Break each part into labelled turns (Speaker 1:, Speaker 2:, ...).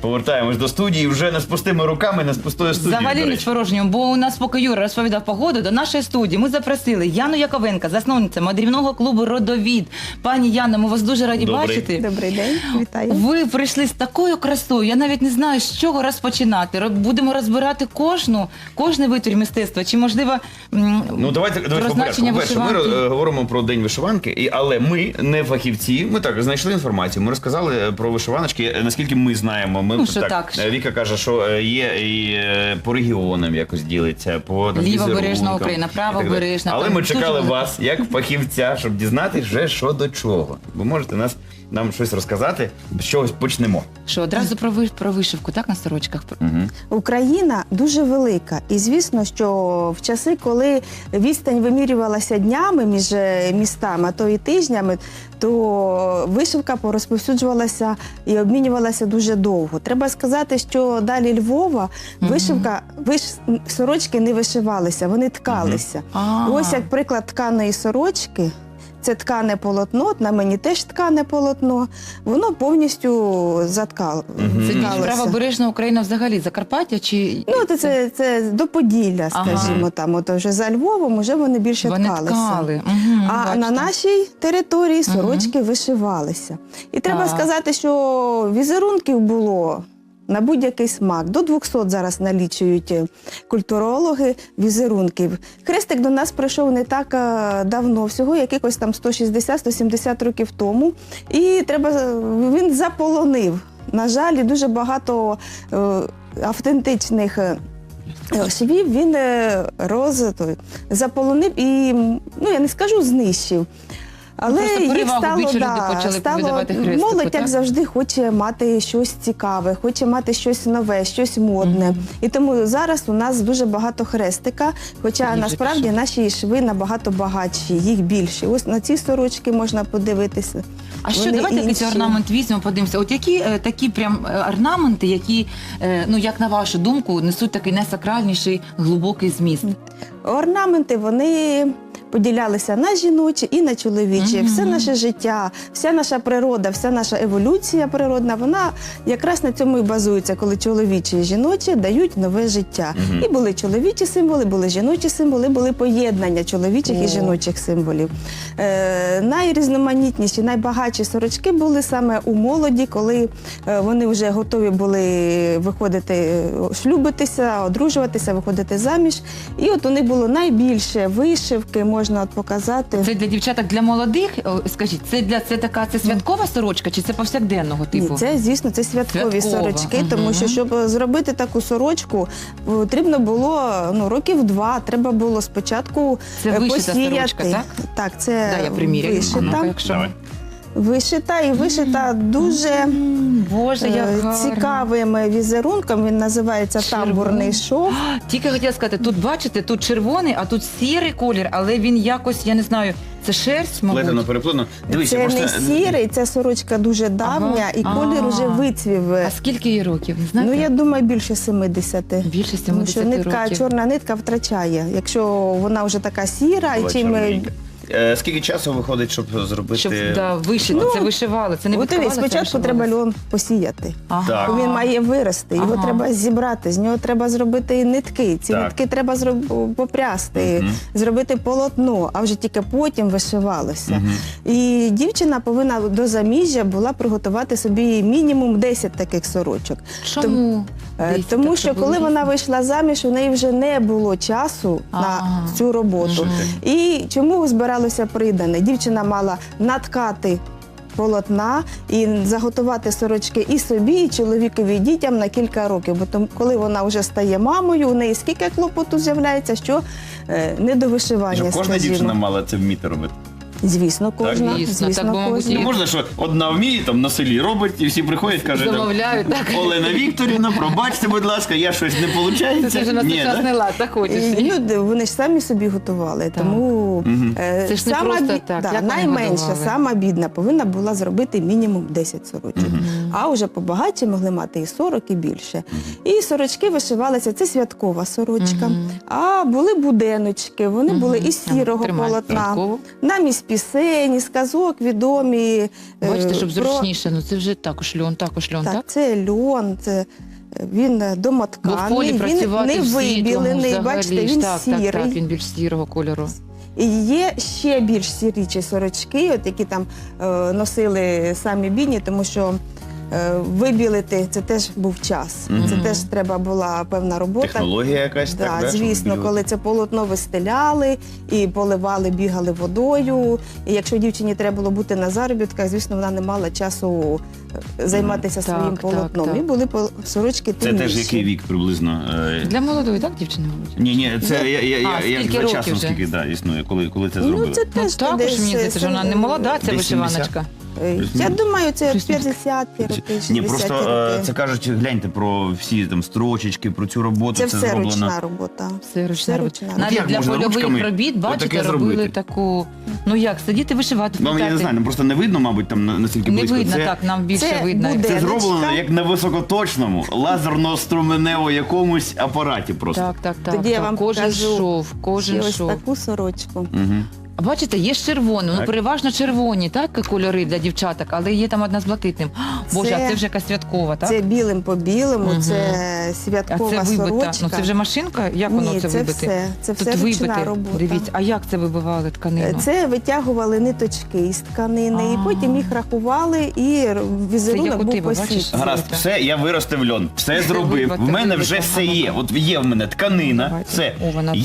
Speaker 1: Повертаємось до студії вже не з пустими руками, не з пустою студією.
Speaker 2: Взагалі не з порожнім, бо у нас, поки Юра розповідав погоду, до нашої студії ми запросили Яну Яковенко, засновниця мандрівного клубу «Родовід». Пані Яна, ми вас дуже раді бачити.
Speaker 3: Добрий день, вітаю.
Speaker 2: Ви прийшли з такою красою, я навіть не знаю, з чого розпочинати. Будемо розбирати кожний витвір мистецтва, чи можливо
Speaker 1: Ну, давайте по порядку. По-перше, ми говоримо про День вишиванки, але ми не фахівці, ми так знайшли інформацію, ми розказали про вишиваночки, наскільки ми знаємо. Ми, Віка каже, що є і по регіонам якось ділиться, по
Speaker 2: лівобережна Україна, правобережна.
Speaker 1: Але ми чекали вас, як фахівця, щоб дізнатися вже що до чого. Ви можете нам щось розказати, з чогось почнемо.
Speaker 2: Що, одразу про вишивку, так, на сорочках?
Speaker 1: Угу.
Speaker 3: Україна дуже велика. І звісно, що в часи, коли відстань вимірювалася днями між містами, а то і тижнями, то вишивка порозповсюджувалася і обмінювалася дуже довго. Треба сказати, що далі Львова сорочки не вишивалися, вони ткалися. Ось як приклад тканої сорочки. Це ткане полотно, на мені теж ткане полотно, воно повністю заткалося.
Speaker 2: Це правобережна Україна взагалі, Закарпаття чи...
Speaker 3: Ну, це до Поділля, скажімо, там, от вже за Львовом вже вони більше ткалися. А на нашій території сорочки вишивалися. І треба сказати, що візерунків було на будь-який смак. До 200 зараз налічують культурологи візерунків. Хрестик до нас прийшов не так давно, всього якихось там 160-170 років тому. І він заполонив. На жаль, дуже багато автентичних швів він заполонив і, ну я не скажу знищив. Але їх стало молодь, як завжди, хоче мати щось цікаве, хоче мати щось нове, щось модне. І тому зараз у нас дуже багато хрестика, хоча насправді наші шви набагато багатші, їх більше. Ось на ці сорочки можна подивитися.
Speaker 2: А що, давайте якийсь орнамент візьмемо, подивимося. От які такі прям орнаменти, які, ну як на вашу думку, несуть такий найсакральніший глибокий зміст?
Speaker 3: Орнаменти, вони поділялися на жіночі і на чоловічі. Все наше життя, вся наша природа, вся наша еволюція природна, вона якраз на цьому і базується, коли чоловічі і жіночі дають нове життя. І були чоловічі символи, були жіночі символи, були поєднання чоловічих і жіночих символів. Найрізноманітніші, найбагатші сорочки були саме у молоді, коли вони вже готові були виходити, шлюбитися, одружуватися, виходити заміж. І от у них було найбільше вишивки, можна показати.
Speaker 2: Це для дівчаток, для молодих, скажіть, це така святкова сорочка чи це повсякденного типу?
Speaker 3: Ні, це, звісно, це святкові сорочки, тому що, щоб зробити таку сорочку, потрібно було років 2, треба було спочатку посіяти.
Speaker 2: Це вишита сорочка, так?
Speaker 3: Так, це
Speaker 2: вишита.
Speaker 3: Вишита і вишита дуже цікавим візерунком, він називається тамбурний шов.
Speaker 2: Тільки хотіла сказати, тут бачите, тут червоний, а тут сірий колір, але він якось, я не знаю, це шерсть, мабуть?
Speaker 1: Плетено, переплетено.
Speaker 3: Це не сірий, ця сорочка дуже давня і колір уже вицвів.
Speaker 2: А скільки їй років, не знаєте?
Speaker 3: Ну, я думаю, більше 70.
Speaker 2: Більше 70
Speaker 3: тому що
Speaker 2: років.
Speaker 3: Чорна нитка втрачає, якщо вона вже така сіра.
Speaker 1: Скільки часу виходить, щоб зробити?
Speaker 2: Щоб вишити, це вишивали, це не відкривали, це
Speaker 3: спочатку треба льон посіяти. Він має вирости, його треба зібрати, з нього треба зробити нитки. Ці нитки треба попрясти, зробити полотно, а вже тільки потім вишивалося. І дівчина повинна до заміжжя була приготувати собі мінімум 10 таких сорочок.
Speaker 2: Чому?
Speaker 3: Тому що коли вона вийшла заміж, у неї вже не було часу на цю роботу. І чому збиралося придане? Дівчина мала наткати полотна і заготувати сорочки і собі, і чоловікові, і дітям на кілька років. Бо коли вона вже стає мамою, у неї скільки клопоту з'являється, що не до вишивання,
Speaker 1: скажімо. Кожна дівчина мала це вміти робити?
Speaker 3: Звісно, кожна.
Speaker 1: Не можна, що одна вміє, там на селі робить, і всі приходять, кажуть, Олена Вікторівна, пробачте, будь ласка, я щось не виходить.
Speaker 2: Це вже на сучасний лад, так хочеш.
Speaker 3: Вони ж самі собі готували, тому найменша, сама бідна повинна була зробити мінімум 10 сорочок. А вже побагатші могли мати і 40, і більше. І сорочки вишивалися, це святкова сорочка. А були буденочки, вони були із сірого полотна, намість пісень, із казок відомі.
Speaker 2: Бачите, щоб зручніше, ну це вже також льон, так?
Speaker 3: Це льон, він домотканий,
Speaker 2: бо в полі працювати
Speaker 3: він не вибілений, бачите, він сірий.
Speaker 2: Так, він більш сірого кольору.
Speaker 3: І є ще більш сірічі сорочки, от які там носили самі бідні, тому що вибілити це теж був час. Це теж треба була певна робота.
Speaker 1: Технологія якась,
Speaker 3: да,
Speaker 1: так?
Speaker 3: Звісно, коли це полотно вистеляли і поливали, бігали водою. І якщо дівчині треба було бути на заробітках, звісно, вона не мала часу займатися своїм полотном.
Speaker 2: Так.
Speaker 3: І були сорочки темніші.
Speaker 1: Це теж який вік приблизно?
Speaker 2: Для молодої, так, дівчини, мабуть?
Speaker 1: Ні, це як
Speaker 2: скільки
Speaker 1: за часом,
Speaker 2: років
Speaker 1: скільки існує, коли це зробили?
Speaker 3: Ну, це теж
Speaker 2: також,
Speaker 3: десь,
Speaker 2: мені здається, що вона не молода, ця
Speaker 1: десь
Speaker 2: вишиваночка.
Speaker 3: Я думаю, це 50-ті роки, 60-ті
Speaker 1: Ні, просто
Speaker 3: роки.
Speaker 1: це кажуть, гляньте про всі там строчечки, про цю роботу,
Speaker 3: Це
Speaker 1: це
Speaker 3: все
Speaker 1: зроблено.
Speaker 3: ручна робота.
Speaker 2: Все ручна робота. Навіть
Speaker 1: як
Speaker 2: для
Speaker 1: можна
Speaker 2: польових
Speaker 1: ручками
Speaker 2: робіт, бачите,
Speaker 1: отаке
Speaker 2: робили
Speaker 1: зробити?
Speaker 2: таку, ну як, сидіти вишивати,
Speaker 1: Вам, я не знаю, просто не видно, мабуть, там настільки
Speaker 2: не
Speaker 1: близько.
Speaker 2: видно, так, нам більше
Speaker 3: це
Speaker 2: видно.
Speaker 3: буде.
Speaker 1: Це
Speaker 3: Денечка.
Speaker 1: зроблено як на високоточному, лазерно-струменево якомусь апараті просто.
Speaker 2: Так.
Speaker 3: Тоді я вам
Speaker 2: Кожен
Speaker 3: покажу
Speaker 2: шов, кожен
Speaker 3: Ось
Speaker 2: шов.
Speaker 3: таку сорочку.
Speaker 1: Мгм.
Speaker 2: А бачите, є з червоним, ну
Speaker 1: Так.
Speaker 2: переважно червоні, так, кольори для дівчаток, але є там одна з блакитним. Боже, а це вже якась святкова, так?
Speaker 3: Це білим по білому,
Speaker 2: Мгм.
Speaker 3: це
Speaker 2: А
Speaker 3: святкова
Speaker 2: це вибита.
Speaker 3: сорочка.
Speaker 2: Ну це вже машинка? Як воно
Speaker 3: Ні,
Speaker 2: це
Speaker 3: це
Speaker 2: вибити?
Speaker 3: все. Це
Speaker 2: Тут
Speaker 3: все ручна
Speaker 2: вибити.
Speaker 3: робота.
Speaker 2: Дивіться, а як це вибивали тканину?
Speaker 3: Це витягували ниточки із тканини, і потім їх рахували, і візерунок
Speaker 2: як у
Speaker 3: був
Speaker 2: тебе, бачиш?
Speaker 3: посічений.
Speaker 1: Гаразд, все, я виростив льон, все зробив.
Speaker 2: вибити,
Speaker 1: В мене
Speaker 2: вибити,
Speaker 1: вже
Speaker 2: ага,
Speaker 1: все є.
Speaker 2: ага.
Speaker 1: От є в мене тканина,
Speaker 2: Давайте.
Speaker 1: все.
Speaker 2: О, вона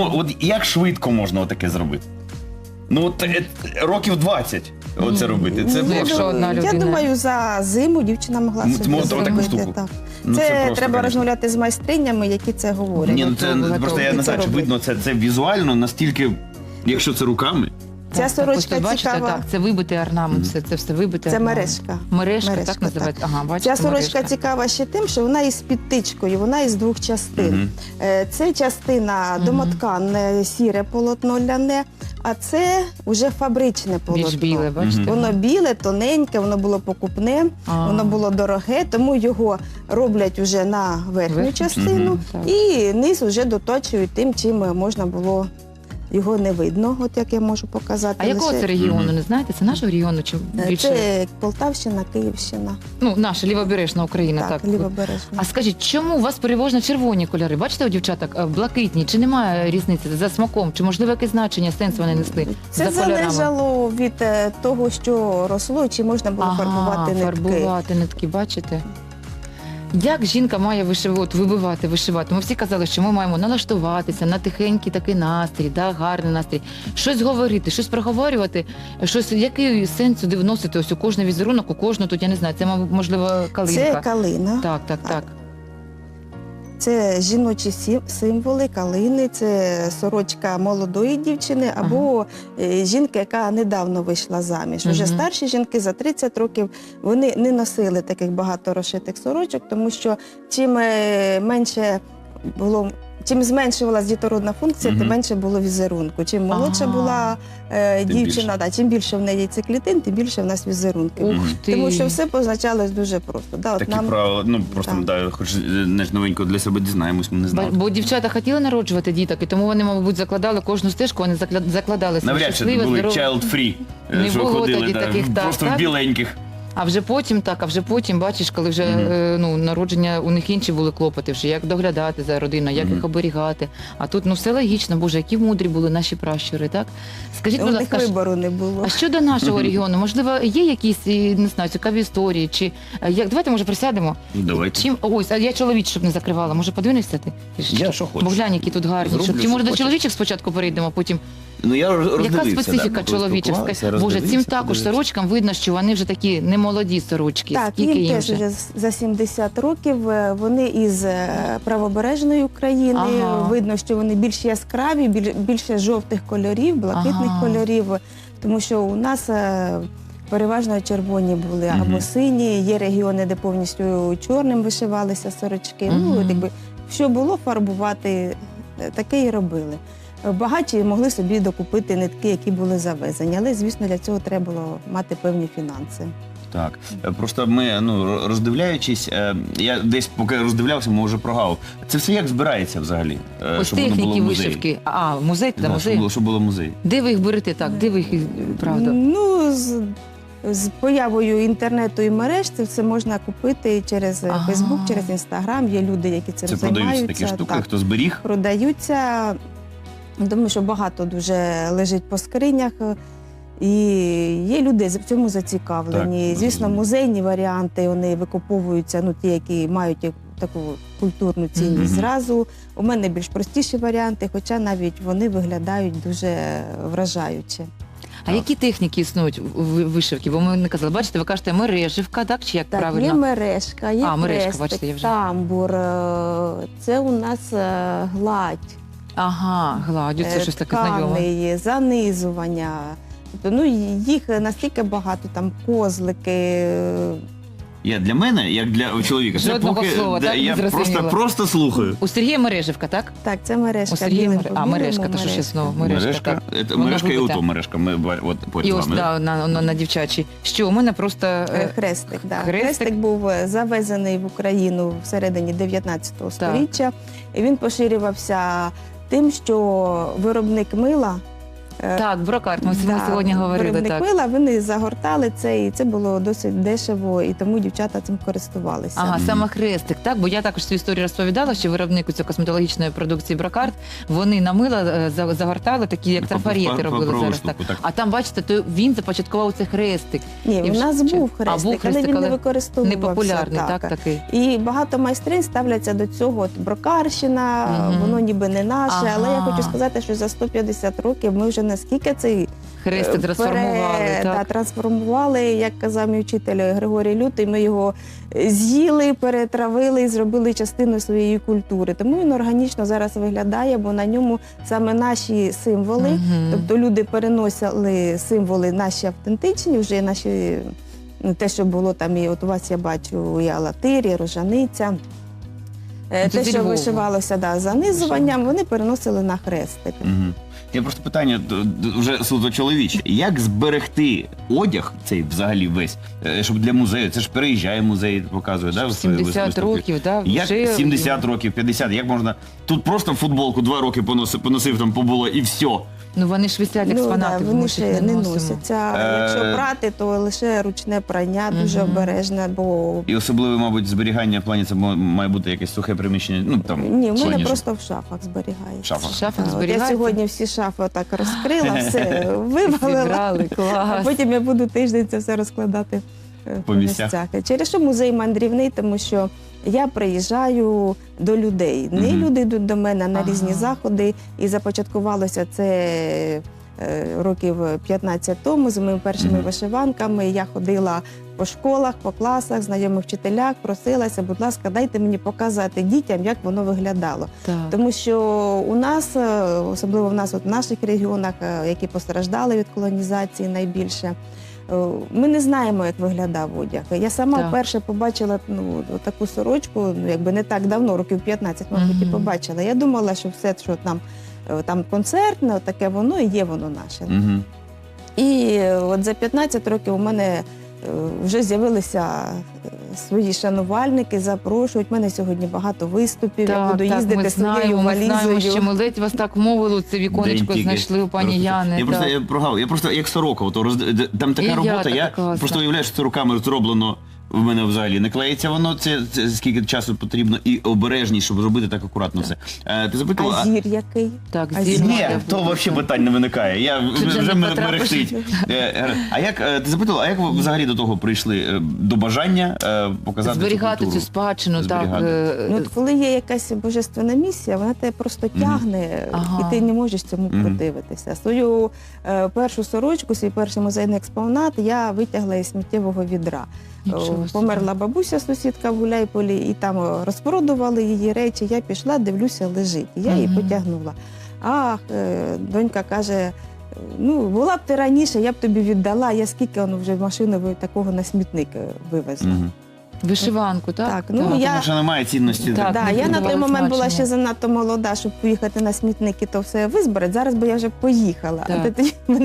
Speaker 1: Як швидко можна отаке зробити? Ну, от років 20 оце робити. Це
Speaker 2: Ну, якщо одна
Speaker 3: Я
Speaker 2: людина.
Speaker 3: думаю, за зиму дівчина могла
Speaker 1: Ну,
Speaker 3: собі
Speaker 1: от таку
Speaker 3: зробити.
Speaker 1: штуку.
Speaker 3: Так.
Speaker 1: Ну,
Speaker 3: це
Speaker 1: просто,
Speaker 3: треба
Speaker 1: конечно.
Speaker 3: розмовляти з майстринями, які це говорять.
Speaker 1: Ні, ну це
Speaker 2: Готово,
Speaker 1: просто я
Speaker 3: готово.
Speaker 1: не знаю, чи
Speaker 3: Це
Speaker 1: видно це візуально настільки, якщо це руками.
Speaker 3: Ця сорочка
Speaker 2: ось тут, бачите,
Speaker 3: цікава.
Speaker 2: так, це вибитий орнамент, це все вибите.
Speaker 3: Це
Speaker 2: орнамент.
Speaker 3: мережка.
Speaker 2: Мережка,
Speaker 3: Мережка,
Speaker 2: так називається? Ага, бачите,
Speaker 3: Ця сорочка
Speaker 2: мережка.
Speaker 3: цікава ще тим, що вона із підтичкою, вона із двох частин. Це частина домоткане, сіре полотно ляне, а це вже фабричне полотно.
Speaker 2: Більш біле, бачите?
Speaker 3: Воно біле, тоненьке, воно було покупне,
Speaker 2: А.
Speaker 3: воно було дороге, тому його роблять вже на верхню
Speaker 2: Верхню.
Speaker 3: частину
Speaker 2: Так.
Speaker 3: і низ вже доточують тим, чим можна було. Його не видно, от як я можу показати.
Speaker 2: А якого
Speaker 3: лише.
Speaker 2: це регіону, не знаєте? Це нашого регіону чи більше?
Speaker 3: Це Полтавщина, Київщина.
Speaker 2: Ну, наша лівобережна Україна, так.
Speaker 3: лівобережна.
Speaker 2: А скажіть, чому у вас переважно червоні кольори? Бачите у дівчаток, блакитні, чи немає різниці за смаком? Чи можливо якесь значення, сенс вони несли
Speaker 3: Це
Speaker 2: за кольорами?
Speaker 3: залежало від того, що росло, чи можна було фарбувати нитки.
Speaker 2: Фарбувати нитки, бачите? Як жінка має вибивати, вишивати? Ми всі казали, що ми маємо налаштуватися на тихенький такий настрій, да, гарний настрій, щось говорити, щось проговорювати, щось, який сенс сюди вносити ось у кожний візерунок, у кожну тут, я не знаю, це, можливо, калинка.
Speaker 3: Це калина.
Speaker 2: Так.
Speaker 3: Це жіночі символи, калини, це сорочка молодої дівчини або жінки, яка недавно вийшла заміж. Уже старші жінки за 30 років, вони не носили таких багато розшитих сорочок, тому що чим менше було... Чим зменшувалась дітородна функція, тим менше було візерунку. Чим молодша була дівчина, чим більше в неї циклітин, тим більше в нас візерунків.
Speaker 2: Ух ти.
Speaker 3: Тому що все позначалось дуже просто. Да, от
Speaker 1: Такі
Speaker 3: нам...
Speaker 1: правила, ну просто хоч не новенько для себе дізнаємось, ми не знали.
Speaker 2: Бо дівчата хотіли народжувати діток, і тому вони, мабуть, закладали кожну стежку, вони закладали собі
Speaker 1: Навряд чи
Speaker 2: щасливе,
Speaker 1: були
Speaker 2: здорове.
Speaker 1: child-free,
Speaker 2: Не
Speaker 1: що
Speaker 2: було
Speaker 1: ходили
Speaker 2: тоді таких, так,
Speaker 1: просто в
Speaker 2: так.
Speaker 1: біленьких.
Speaker 2: А вже потім, бачиш, коли вже народження, у них інші були клопоти, вже як доглядати за родиною, як їх оберігати. А тут все логічно, Боже, які мудрі були наші пращури, так? Скажіть,
Speaker 3: У
Speaker 2: будь
Speaker 3: них
Speaker 2: ласка,
Speaker 3: вибору не було.
Speaker 2: а щодо нашого регіону, можливо, є якісь, не знаю, цікаві історії, чи давайте, може, присядемо?
Speaker 1: Давайте.
Speaker 2: Ось, а я чоловічок щоб не закривала, може, подивишся ти?
Speaker 1: Я що хочу.
Speaker 2: Бо глянь, які тут гарні.
Speaker 1: Зроблю,
Speaker 2: Чи може
Speaker 1: що
Speaker 2: до
Speaker 1: хочеш.
Speaker 2: чоловічих спочатку перейдемо, а потім...
Speaker 1: Ну я роздивився.
Speaker 2: Яка специфіка
Speaker 1: коли
Speaker 2: чоловічих?
Speaker 1: спілкувалися,
Speaker 2: Боже, цим
Speaker 1: роздивився,
Speaker 2: також
Speaker 1: подивився.
Speaker 2: сорочкам видно, що вони вже такі немолоді сорочки.
Speaker 3: Так,
Speaker 2: Скільки
Speaker 3: їм
Speaker 2: їм
Speaker 3: теж
Speaker 2: вже?
Speaker 3: вже за 70 років. Вони із правобережної України.
Speaker 2: Ага.
Speaker 3: Видно, що вони більш яскраві, більше жовтих кольорів, блакитних кольорів. Тому що у нас переважно червоні були або сині. Є регіони, де повністю чорним вишивалися сорочки. Ну, якби, що було фарбувати, таке і робили. Багаті могли собі докупити нитки, які були завезені, але, звісно, для цього треба було мати певні фінанси.
Speaker 1: Так. Просто ми, роздивляючись, я десь поки роздивлявся, ми вже прогав. Це все як збирається взагалі?
Speaker 2: Ось
Speaker 1: Щоб воно було
Speaker 2: техніки
Speaker 1: в музеї?
Speaker 2: вишивки. А, музей та музей?
Speaker 1: Щоб було музей.
Speaker 2: Де ви їх берете так? Де ви їх, правда?
Speaker 3: Ну, з появою інтернету і мереж це все можна купити через Фейсбук, через Інстаграм. Є люди, які цим
Speaker 1: Це
Speaker 3: займаються.
Speaker 1: продаються такі штуки, хто зберіг?
Speaker 3: Продаються. Думаю, що багато дуже лежить по скринях. І є люди в цьому зацікавлені.
Speaker 1: Так,
Speaker 3: звісно, музейні варіанти, вони викуповуються, ті, які мають таку культурну цінність зразу. У мене більш простіші варіанти, хоча навіть вони виглядають дуже вражаюче.
Speaker 2: А які техніки існують у вишивки? Бо ми не казали, бачите, ви кажете мереживка, так? Чи як
Speaker 3: Так,
Speaker 2: правильно?
Speaker 3: є мережка, є
Speaker 2: мережка,
Speaker 3: хрестик,
Speaker 2: бачите, я вже...
Speaker 3: тамбур, це у нас гладь.
Speaker 2: Ага, гладю, це щось таке знайоме.
Speaker 3: Ткани, занизування. Тобто, їх настільки багато, там козлики.
Speaker 1: Для мене, як для чоловіка, це
Speaker 2: Жодного
Speaker 1: поки
Speaker 2: слова, так,
Speaker 1: я
Speaker 2: не зрозуміла.
Speaker 1: просто слухаю.
Speaker 2: У Сергія мереживка, так?
Speaker 3: Так, це мережка.
Speaker 2: У Сергія
Speaker 3: білим
Speaker 2: мережка, то що ще знову мережка.
Speaker 1: Мережка і ото мережка.
Speaker 2: І ось, на дівчачій. Що, у мене просто...
Speaker 3: Хрестик, так. Хрестик був завезений в Україну всередині 19 століття. І він поширювався тим, що виробник мила...
Speaker 2: Так, брокарт, ми сьогодні говорили.
Speaker 3: Виробник мила, вони загортали це, і це було досить дешево, і тому дівчата цим користувалися.
Speaker 2: Ага, саме хрестик, так? Бо я також цю історію розповідала, що виробнику цієї косметологічної продукції брокарт, вони на мила загортали, такі як трафарети робили зараз. Так. А там, бачите, то він започаткував цей хрестик.
Speaker 3: Ні, у нас був хрестик, але він не використовувався.
Speaker 2: Непопулярний, так, такий.
Speaker 3: І багато майстринь ставляться до цього. Брокарщина, воно ніби не наше, але я хочу сказати, що за 150 років ми вже наскільки цей
Speaker 2: хрестик трансформували.
Speaker 3: Трансформували, як казав мій вчитель Григорій Лютий, ми його з'їли, перетравили і зробили частиною своєї культури. Тому він органічно зараз виглядає, бо на ньому саме наші символи, тобто люди переносили символи наші автентичні, вже наші, те, що було там, і от у вас я бачу і алатир, і рожаниця. Те, що вишивалося занизуванням, вони переносили на хрестик.
Speaker 1: Я просто питання вже суто чоловіче. Як зберегти одяг цей взагалі весь, щоб для музею, це ж переїжджає музей, показує, да?
Speaker 2: 70 років, так?
Speaker 1: Як 70 років, 50, як можна? Тут просто футболку 2 роки поносив, там побуло і все.
Speaker 2: Ну вони ж висять експонати,
Speaker 3: вони ще не носяться. Якщо прати, то лише ручне прання, дуже обережне, бо...
Speaker 1: І особливо, мабуть, зберігання в плані, це має бути якесь сухе приміщення,
Speaker 3: Ні, в мене просто в шафах зберігається.
Speaker 2: В шафах зберігається?
Speaker 3: Я сьогодні всі шафи так розкрила, все вивалила, а потім я буду тиждень це все розкладати по місцях. Через що музей мандрівний, тому що я приїжджаю до людей. Не люди йдуть до мене на різні заходи. І започаткувалося це років 15 тому з моїми першими вишиванками. Я ходила по школах, по класах, знайомих вчителях, просилася, будь ласка, дайте мені показати дітям, як воно виглядало.
Speaker 2: Так.
Speaker 3: Тому що у нас, особливо в нас, в наших регіонах, які постраждали від колонізації найбільше, ми не знаємо, як виглядав одяг. Я сама вперше побачила таку сорочку, якби не так давно, років 15, мабуть, і побачила. Я думала, що все, що там концертне, таке воно і є воно наше. І от за 15 років у мене вже з'явилися свої шанувальники, запрошують. У мене сьогодні багато виступів, я буду їздити своєю валізою.
Speaker 2: Ми знаємо, що ми ледь вас так мовили, це віконечко знайшли у пані Яни.
Speaker 1: Я просто як сорока, там така робота, я просто уявляю, що це руками зроблено. В мене взагалі не клеїться воно, це скільки часу потрібно, і обережність, щоб зробити так акуратно все. Ти запитала...
Speaker 3: А зір який?
Speaker 2: Так,
Speaker 1: Ні, то взагалі питань не виникає. Вже мерехтить. А як, ти запитала, а як ви взагалі до того прийшли? До бажання показати
Speaker 2: зберігати цю спадщину, так.
Speaker 3: Коли є якась божественна місія, вона тебе просто тягне, і ти не можеш цьому противитися. Свою першу сорочку, свій перший музейний експонат я витягла із сміттєвого відра. Померла бабуся, сусідка в Гуляйполі, і там розпродували її речі. Я пішла, дивлюся, лежить. І я її потягнула. Донька каже, була б ти раніше, я б тобі віддала, я скільки вже машиною такого на смітник вивезла.
Speaker 2: Вишиванку, так?
Speaker 3: Так.
Speaker 1: Тому що немає цінності.
Speaker 3: Я на той момент була ще занадто молода, щоб поїхати на смітник і то все визбирати. Зараз би я вже поїхала.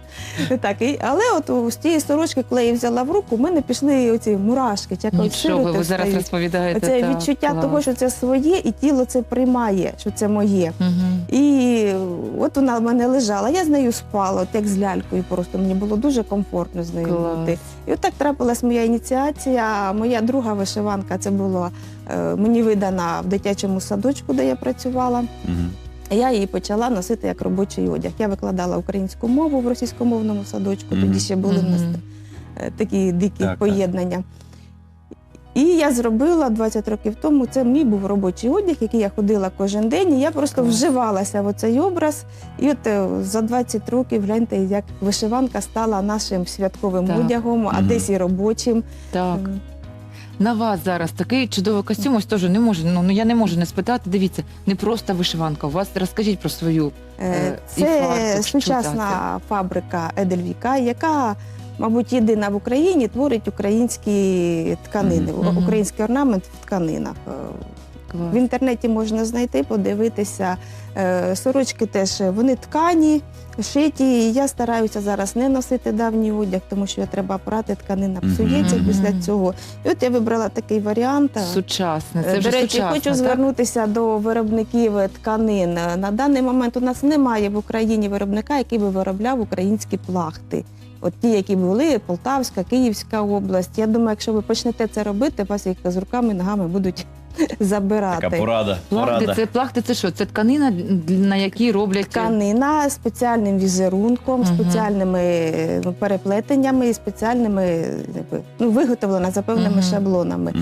Speaker 3: Так, але от з тієї сорочки, коли я її взяла в руку, в мене пішли оці мурашки.
Speaker 2: Нічого, ви зараз розповідаєте.
Speaker 3: Це відчуття того, що це своє, і тіло це приймає, що це моє. І от вона в мене лежала, я з нею спала, от як з лялькою просто. Мені було дуже комфортно з нею бути. І от так трапилась моя ініціація. Моя друга вишиванка, це була мені видана в дитячому садочку, де я працювала. Я її почала носити як робочий одяг. Я викладала українську мову в російськомовному садочку, тоді ще були в нас такі дикі поєднання. І я зробила 20 років тому, це мій був робочий одяг, який я ходила кожен день, і я просто вживалася в цей образ. І от за 20 років, гляньте, як вишиванка стала нашим святковим одягом, а десь і робочим.
Speaker 2: Так. На вас зараз такий чудовий костюм, ось теж не можу, я не можу не спитати, дивіться, не просто вишиванка, у вас, розкажіть про свою
Speaker 3: Це сучасна фабрика Едельвіка, яка, мабуть, єдина в Україні творить українські тканини, український орнамент в тканинах. В інтернеті можна знайти, подивитися. Сорочки теж, вони ткані, шиті. Я стараюся зараз не носити давній одяг, тому що треба прати, тканина псується після цього. І от я вибрала такий варіант.
Speaker 2: Сучасний, це вже
Speaker 3: До речі,
Speaker 2: сучасно,
Speaker 3: хочу звернутися до виробників тканин. На даний момент у нас немає в Україні виробника, який би виробляв українські плахти. От ті, які були, Полтавська, Київська область. Я думаю, якщо ви почнете це робити, вас їх з руками, ногами будуть забирати.
Speaker 1: Така порада.
Speaker 2: Плахти це що? Це тканина, на якій роблять?
Speaker 3: Тканина з спеціальним візерунком, спеціальними переплетеннями і спеціальними, виготовлена за певними шаблонами.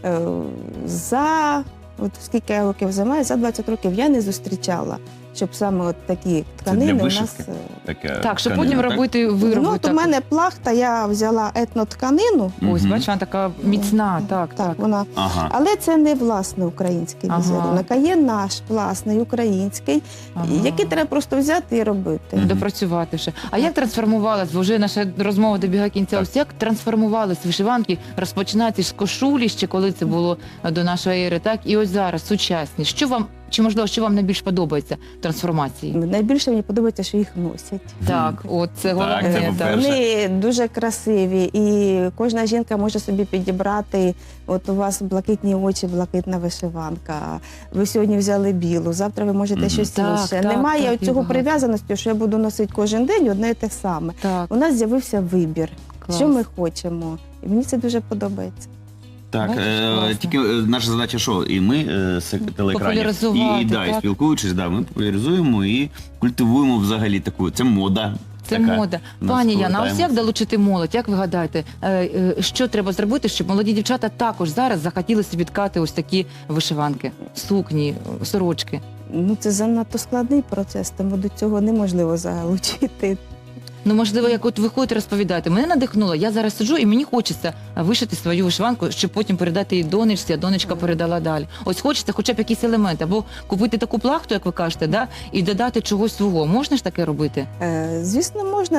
Speaker 3: От скільки я років займаюся, за 20 років я не зустрічала, щоб саме от такі тканини у нас...
Speaker 2: Так, щоб потім робити вироби.
Speaker 3: От у мене плахта, я взяла етнотканину.
Speaker 2: Ось, бачиш, вона така міцна, так.
Speaker 3: Вона. Але це не власне український візерунок, а є наш власний український, який треба просто взяти і робити.
Speaker 2: Допрацювати ще. А як трансформувалась, бо вже наша розмова добігає кінця, ось як трансформувались вишиванки, розпочинаючи з кошулі, ще коли це було до нашої ери, так? І ось зараз, сучасні. Що вам, чи можливо, що вам найбільш подобається в трансформації?
Speaker 3: Найбільше мені подобається, що їх носять.
Speaker 2: Так, от це головне.
Speaker 3: Вони дуже красиві, і кожна жінка може собі підібрати, от у вас блакитні очі, блакитна вишиванка, ви сьогодні взяли білу, завтра ви можете щось інше. Немає цього прив'язаності, що я буду носити кожен день одне і те саме. У нас з'явився вибір, що ми хочемо, і мені це дуже подобається.
Speaker 1: Так, тільки наша задача що? І ми з телеекранів, і спілкуючись, ми популяризуємо і культивуємо взагалі таку, це мода.
Speaker 2: Це мода. Пані Яна, ось як долучити молодь? Як ви гадаєте, що треба зробити, щоб молоді дівчата також зараз захотіли собі ткати ось такі вишиванки, сукні, сорочки?
Speaker 3: Це занадто складний процес, тому до цього неможливо залучити.
Speaker 2: Можливо, як от ви ходите розповідати. Мене надихнуло, я зараз сиджу і мені хочеться вишити свою вишиванку, щоб потім передати її донечці, а донечка передала далі. Ось хочеться хоча б якийсь елемент, або купити таку плахту, як ви кажете, і додати чогось свого. Можна ж таке робити?
Speaker 3: Звісно, можна.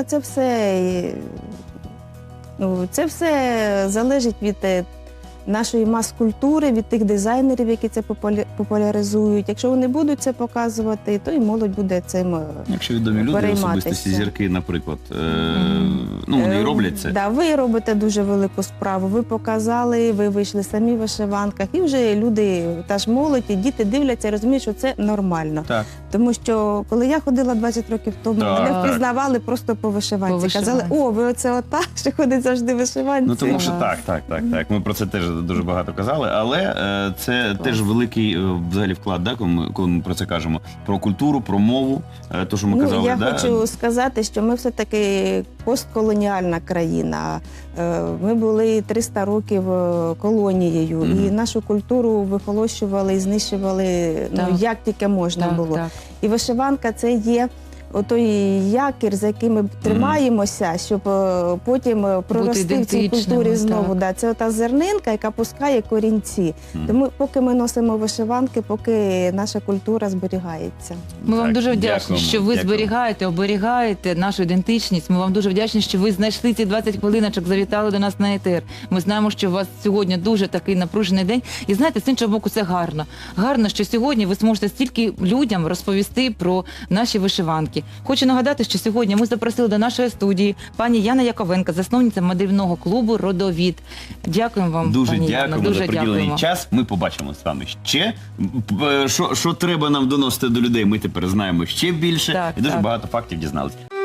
Speaker 3: Це все залежить від нашої мас-культури, від тих дизайнерів, які це популяризують. Якщо вони будуть це показувати, то і молодь буде цим перейматися.
Speaker 1: Якщо відомі люди, особистості, зірки, наприклад, вони роблять це.
Speaker 3: Так, ви робите дуже велику справу. Ви показали, ви вийшли самі в вишиванках, і вже люди, та ж молодь, і діти дивляться і розуміють, що це нормально.
Speaker 1: Так.
Speaker 3: Тому що, коли я ходила 20 років тому, мене впізнавали просто по вишиванці. Казали, ви оце ота, що ходить завжди в вишиванці.
Speaker 1: Тому що так. Ми про це теж дуже багато казали, але це теж великий взагалі вклад, коли ми про це кажемо. Про культуру, про мову, то, що ми казали.
Speaker 3: Я хочу сказати, що ми все-таки постколоніальна країна. Ми були 300 років колонією, і нашу культуру вихолощували і знищували, як тільки можна було. І вишиванка – це є отой якір, за яким ми тримаємося, щоб потім прорости в цій культурі знову. Це ота зернинка, яка пускає корінці. Тому поки ми носимо вишиванки, поки наша культура зберігається.
Speaker 2: Ми вам дуже вдячні, що ви зберігаєте, оберігаєте нашу ідентичність. Ми вам дуже вдячні, що ви знайшли ці 20 хвилиночок, завітали до нас на етер. Ми знаємо, що у вас сьогодні дуже такий напружений день. І знаєте, з іншого боку, це гарно. Гарно, що сьогодні ви зможете стільки людям розповісти про наші вишиванки. вишиванки. Хочу нагадати, що сьогодні ми запросили до нашої студії пані Яна Яковенко, засновниця мандрівного клубу «Родовід». Дякуємо вам,
Speaker 1: дуже
Speaker 2: пані Яна.
Speaker 1: Дякуємо за приділений час. Ми побачимо з вами ще. Що треба нам доносити до людей, ми тепер знаємо ще більше. І дуже багато фактів дізналися.